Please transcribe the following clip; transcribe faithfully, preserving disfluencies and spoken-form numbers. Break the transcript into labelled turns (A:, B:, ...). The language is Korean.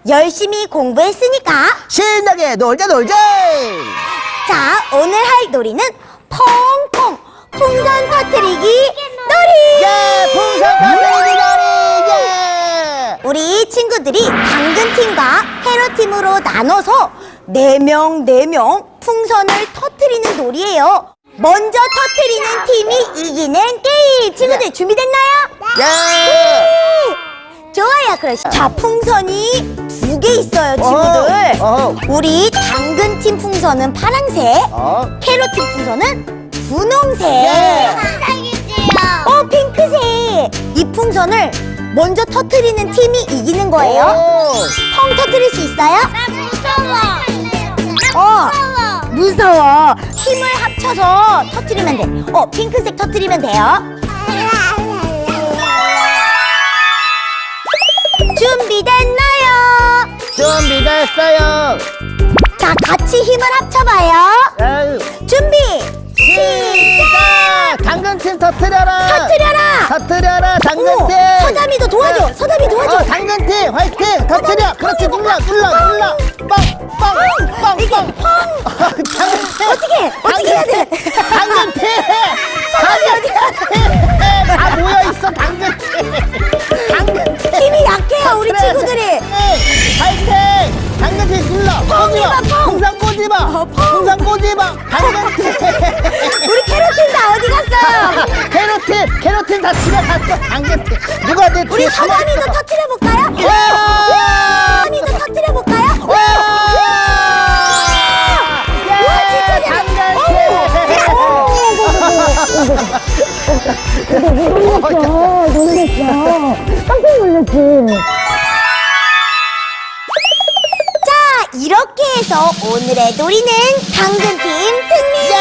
A: 열심히 공부했으니까
B: 신나게 놀자 놀자.
A: 자, 오늘 할 놀이는 퐁퐁 풍선 터뜨리기 놀이.
B: 예, 풍선 터뜨리기 놀이. 예.
A: 우리 친구들이 당근팀과 캐럿팀으로 나눠서 네 명 네 명 풍선을 터뜨리는 놀이에요. 먼저 터뜨리는 팀이 이기는 게임. 친구들 준비됐나요?
B: 예.
A: 좋아요. 그럼 자, 풍선이 두 개 있어요, 친구들.
B: 어허.
A: 우리 당근팀 풍선은 파란색,
B: 어.
A: 캐럿팀 풍선은 분홍색.
B: 예.
A: 어, 핑크색. 이 풍선을 먼저 터뜨리는 팀이 이기는 거예요.
B: 오.
A: 펑 터뜨릴 수 있어요?
C: 나 무서워.
A: 어, 무서워. 힘을 합쳐서 터뜨리면 돼. 어, 핑크색 터뜨리면 돼요. 준비됐나요?
B: 준비됐어요.
A: 자, 같이 힘을 합쳐봐요.
B: 에휴.
A: 준비,
B: 시작! 당근팀 터뜨려라.
A: 터뜨려라.
B: 터뜨려라
A: 오,
B: 당근팀.
A: 서담이도 도와줘. 서담이 도와줘.
B: 어, 당근팀 화이팅. 터뜨려. 그렇지, 눌러 눌러 눌러. 뻥뻥뻥뻥. 당근팀.
A: 어떻게, 어떻게 해야 돼?
B: 당근팀. 당근팀. 다 모여 있어 당근팀. 당근팀.
A: 힘이 약해요, 우리
B: 터뜨려야 돼.
A: 친구들이.
B: 네, 화이팅. 당근팀 눌러.
A: 펑이다, 펑.
B: 풍선 꼬집어.
A: 어, 펑.
B: 풍선 꼬집어. 당근팀.
A: 우리 캐럿팀 다 어디 갔어요?
B: 캐럿팀. 캐럿팀 다 집에 갔어. 당근팀. 누가 내
A: 우리
B: 뒤에 숨어
A: 서담이도
B: 있어.
A: 터뜨려 볼까요?
B: 와!
A: 서담이도 터뜨려 볼까요?
B: 와!
A: 와, 진짜 잘해.
B: 당근팀.
A: 놀랬어. 깜짝 놀랐지. 자, 이렇게 해서 오늘의 놀이는 당근팀 승리!